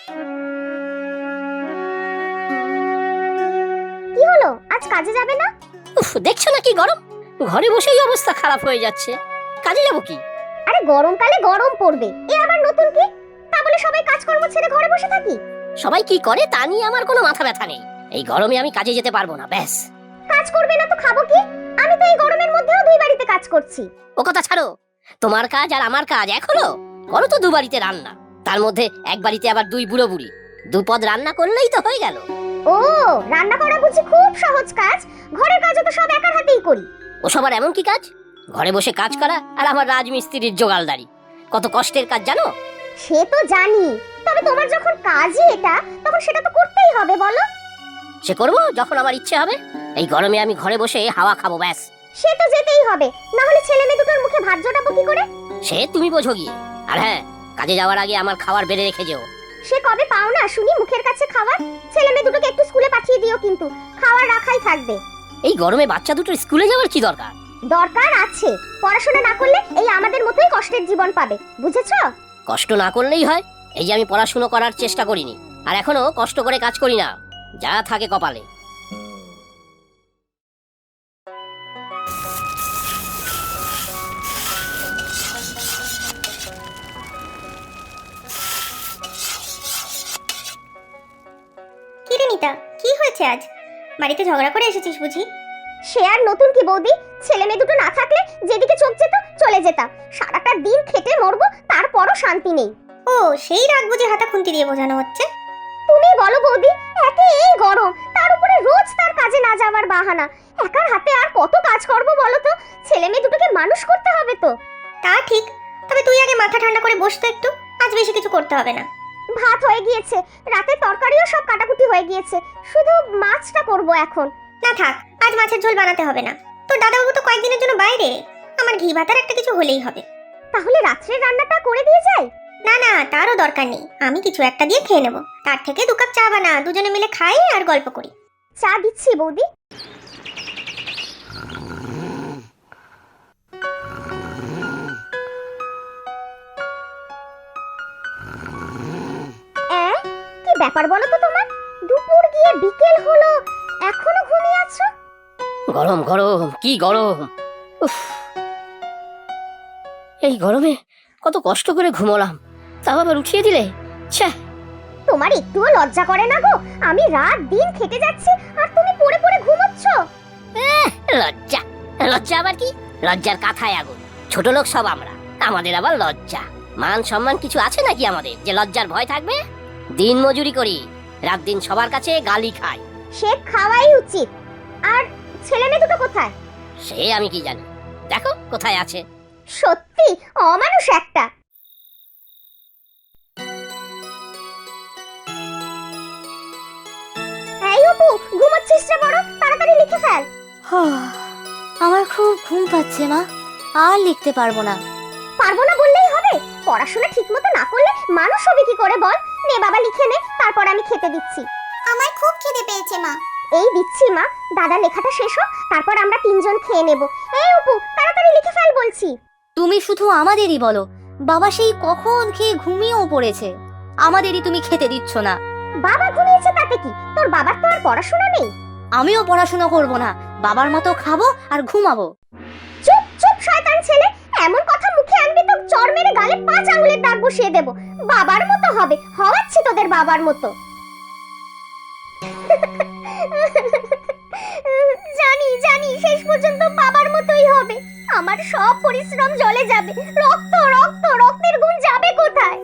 কি হলো, আজ কাজে যাবে না? উফ, দেখছো না কি গরম, ঘরে বসেই অবস্থা খারাপ হয়ে যাচ্ছে, কাজে যাবো কি? আরে গরমকালে গরম পড়বে, এ আবার নতুন কি? তা বলে সবাই কাজকর্ম ছেড়ে ঘরে বসে থাকি? সবাই কি করে তা নিয়ে আমার কোনো মাথা ব্যথা নেই। এই গরমে আমি কাজে যেতে পারবো না, ব্যাস। কাজ করবে না তো খাবো কি? আমি তো এই গরমের মধ্যেও দুই বাড়িতে কাজ করছি। ও কথা ছাড়ো, তোমার কাজ আর আমার কাজ এক হলো? করো তো দু বাড়িতে রান্না, তার মধ্যে এক বাড়িতে আবার দুই বুড়ো বুড়ি, দুপদ রান্না করলেই তো হয়ে গেল। ও, রান্না করা বুঝি খুব সহজ কাজ? ঘরের কাজও তো সব একার হাতেই করি। ওসব আর এমন কি কাজ? ঘরে বসে কাজ করা আর আমার রাজমিস্ত্রির জোগালদারি কত কষ্টের কাজ জানো? সে তো জানি, তবে তোমার যখন কাজই এটা, তখন সেটা তো করতেই হবে, বলো। সে করবো যখন আমার ইচ্ছে হবে। এই গরমে আমি ঘরে বসে হাওয়া খাবো, ব্যাস। সে তো যেতেই হবে, না হলে ছেলে মেয়ে দুটোর মুখে ভাত জোটাবো কি করে? সে তুমি বোঝো গিয়ে। আর হ্যাঁ, কাজে যাওয়ার আগে আমার খাবার বেড়ে রেখে যেও। সে কবে পাও না শুনি মুখের কাছে খাবার? ছেলে মেয়ে দুটোকে একটু স্কুলে পাঠিয়ে দিও, কিন্তু খাবার রাখাই থাকবে। এই গরমে বাচ্চা দুটোর স্কুলে যাওয়ার কি দরকার? দরকার আছে, পড়াশোনা না করলে এই আমাদের মতোই কষ্টের জীবন পাবে, বুঝেছো? কষ্ট না করলেই হয়। এই যে আমি পড়াশুনো করার চেষ্টা করিনি, আর এখনো কষ্ট করে কাজ করি না, যা থাকে কপালে। কি রে নিতা, কি হয়েছে আজ? বাড়িতে ঝগড়া করে এসেছিস বুঝি? সে আর নতুন কি বৌদি, ছেলে মেয়ে দুটো না থাকলে যেদিকে চোখ যেত চলে যেতাম। সারাটা দিন খেটে মরবো, তারপরও শান্তি নেই। ও, সেই রাগ বুঝি হাতা খুন্তি দিয়ে বোঝানো হচ্ছে? তুমি বলো বৌদি, একে এই গরম, তার উপরে রোজ তার কাজে না যাওয়ার বাহানা। একার হাতে আর কত কাজ করবো বলো তো? ছেলে মেয়ে দুটোকে মানুষ করতে হবে তো। তা ঠিক, তবে তুই আগে মাথা ঠান্ডা করে বসতো একটু, আজ বেশি কিছু করতে হবে না। ভাত হয়ে গিয়েছে, রাতে তরকারিও সব কাটাকুটি হয়ে গিয়েছে, শুধু মাছটা করব এখন। না থাক, আজ মাছের ঝোল বানাতে হবে না। তোর দাদাবাবু তো কয়েকদিনের জন্য বাইরে, আমার ঘি ভাতার একটা কিছু হলেই হবে। তাহলে রাত্রের রান্নাটা করে দিয়ে যাই? না না, তারও দরকার নেই, আমি কিছু একটা দিয়ে খেয়ে নেব। তার থেকে 2 কাপ চা বানা, দুজনে মিলে খাই আর গল্প করি। চা দিচ্ছি বৌদি। কি ব্যাপার বলো তো তোমার? দুপুর গিয়ে বিকেল হলো, এখনো ঘুমিয়ে আছো? গরম গরম, কি গরম! উফ, এই গরমে কত কষ্ট করে ঘুমোলাম, তাও আবার উঠিয়ে দিলে। ছ্যা! তোমার একটুও লজ্জা করে না গো? আমি রাত দিন খেটে যাচ্ছি আর তুমি পড়ে পড়ে ঘুমোচ্ছ। লজ্জা? লজ্জা আবার কি? লজ্জার কাঁথায় আগুন। ছোট লোক সব আমরা, আমাদের আবার লজ্জা? মান সম্মান কিছু আছে নাকি আমাদের যে লজ্জার ভয় থাকবে? দিন মজুরি করি, রাত দিন সবার কাছে গালি খাই। সে খাওয়াই উচিত। আর ছেলে মেয়ে দুটো কোথায়? সে আমি কি জানি, দেখো কোথায় আছে। সত্যি অমানুষ একটা। এই অপু, ঘুমোচ্ছিস রে বড়, তাড়াতাড়ি লিখে ফেল। আমার খুব ঘুম পাচ্ছে মা, আর লিখতে পারবো না। পারবো না বললেই হবে? পড়াশোনা ঠিকমতো না করলে মানুষ হবে কি করে বল? নে বাবা লিখে নে, তারপর আমি খেতে দিচ্ছি। আমার খুব খিদে পেয়েছে মা। এই দিচ্ছি মা, দাদা লেখাটা শেষ হোক, তারপর আমরা 3 জন খেয়ে নেব। এই অপু, তাড়াতাড়ি লিখে ফেল বলছি। তুমি শুধু আমাদেরই বলো, বাবা সেই কখন খেয়ে ঘুমিয়েও পড়েছে, আমাদেরই তুমি খেতে দিচ্ছ না। বাবা ঘুমিয়েছে তাতে কি? তোর বাবার তো আর পড়াশোনা নেই। আমিও পড়াশোনা করব না, বাবার মতো খাবো আর ঘুমাবো। চুপ চুপ শয়তান ছেলে, এমন কথা মুখে আনবি তো চড় মেরে গালে 5 আঙ্গুলের দাগ বসিয়ে দেব। বাবার মতো হবে, হওয়াচ্ছি তোদের বাবার মতো। জানি জানি শেষ পর্যন্ত বাবার মতোই হবে। আমার সব পরিশ্রম জলে যাবে, রক্ত রক্ত রক্তের গুণ যাবে কোথায়?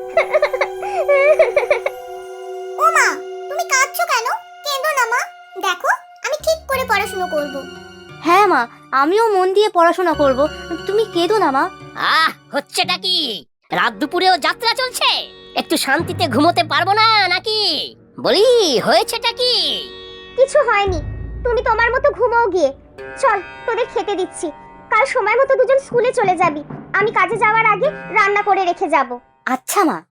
ও মা, তুমি কাঁদছো কেন? কেঁদো না মা, দেখো আমি ঠিক করে পড়াশোনা করব। হ্যাঁ মা, আমিও মন দিয়ে পড়াশোনা করব, তুমি কেঁদো না মা। হচ্ছেটা কি? রাত দুপুরেও যাত্রা চলছে, একটু শান্তিতে ঘুমোতে পারবো না নাকি? বলি, হয়েছেটা কি? কিছু হয়নি, তুমি তোমার মতো ঘুমাও গিয়ে। চল তোদের খেতে দিচ্ছি, কাল সময় মতো দুজন স্কুলে চলে যাবি। আমি কাজে যাওয়ার আগে রান্না করে রেখে যাব। আচ্ছা মা।